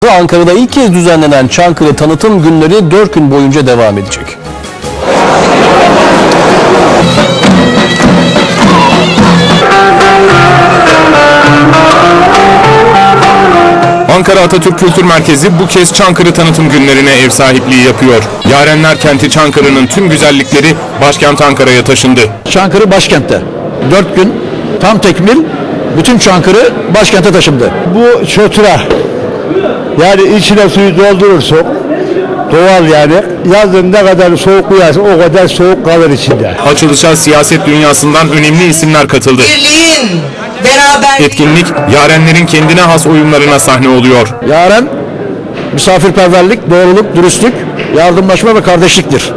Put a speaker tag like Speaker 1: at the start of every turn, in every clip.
Speaker 1: Ankara'da ilk kez düzenlenen Çankırı tanıtım günleri 4 gün boyunca devam edecek.
Speaker 2: Ankara Atatürk Kültür Merkezi bu kez Çankırı tanıtım günlerine ev sahipliği yapıyor. Yarenler kenti Çankırı'nın tüm güzellikleri başkent Ankara'ya taşındı.
Speaker 3: Çankırı başkentte. 4 gün tam tekmil bütün Çankırı başkente taşındı.
Speaker 4: Bu çotura, yani içine suyu doldurursun, doğal yani. Yazın ne kadar soğuk uyarsa o kadar soğuk kalır içinde.
Speaker 2: Açılışa siyaset dünyasından önemli isimler katıldı.
Speaker 5: Birliğin, beraber.
Speaker 2: Etkinlik, yarenlerin kendine has oyunlarına sahne oluyor.
Speaker 3: Yaren misafirperverlik, doğruluk, dürüstlük, yardımlaşma ve kardeşliktir.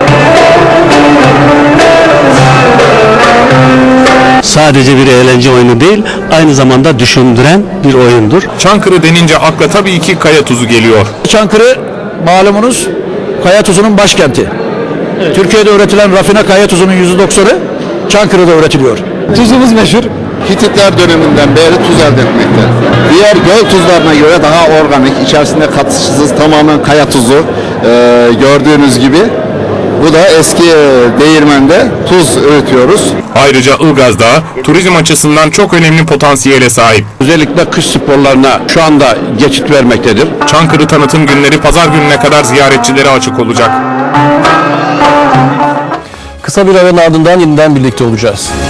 Speaker 6: Sadece bir eğlence oyunu değil, aynı zamanda düşündüren bir oyundur.
Speaker 2: Çankırı denince akla tabii ki kaya tuzu geliyor.
Speaker 3: Çankırı malumunuz kaya tuzunun başkenti. Türkiye'de üretilen rafine kaya tuzunun %90'ı Çankırı'da üretiliyor.
Speaker 4: Tuzumuz meşhur.
Speaker 7: Hititler döneminden beri tuz elde etmekte. Diğer göl tuzlarına göre daha organik, içerisinde katışsız tamamen kaya tuzu gördüğünüz gibi. Bu da eski değirmende tuz üretiyoruz.
Speaker 2: Ayrıca Ilgaz Dağı turizm açısından çok önemli potansiyele sahip.
Speaker 3: Özellikle kış sporlarına şu anda geçit vermektedir.
Speaker 2: Çankırı tanıtım günleri pazar gününe kadar ziyaretçilere açık olacak.
Speaker 1: Kısa bir aranın ardından yeniden birlikte olacağız.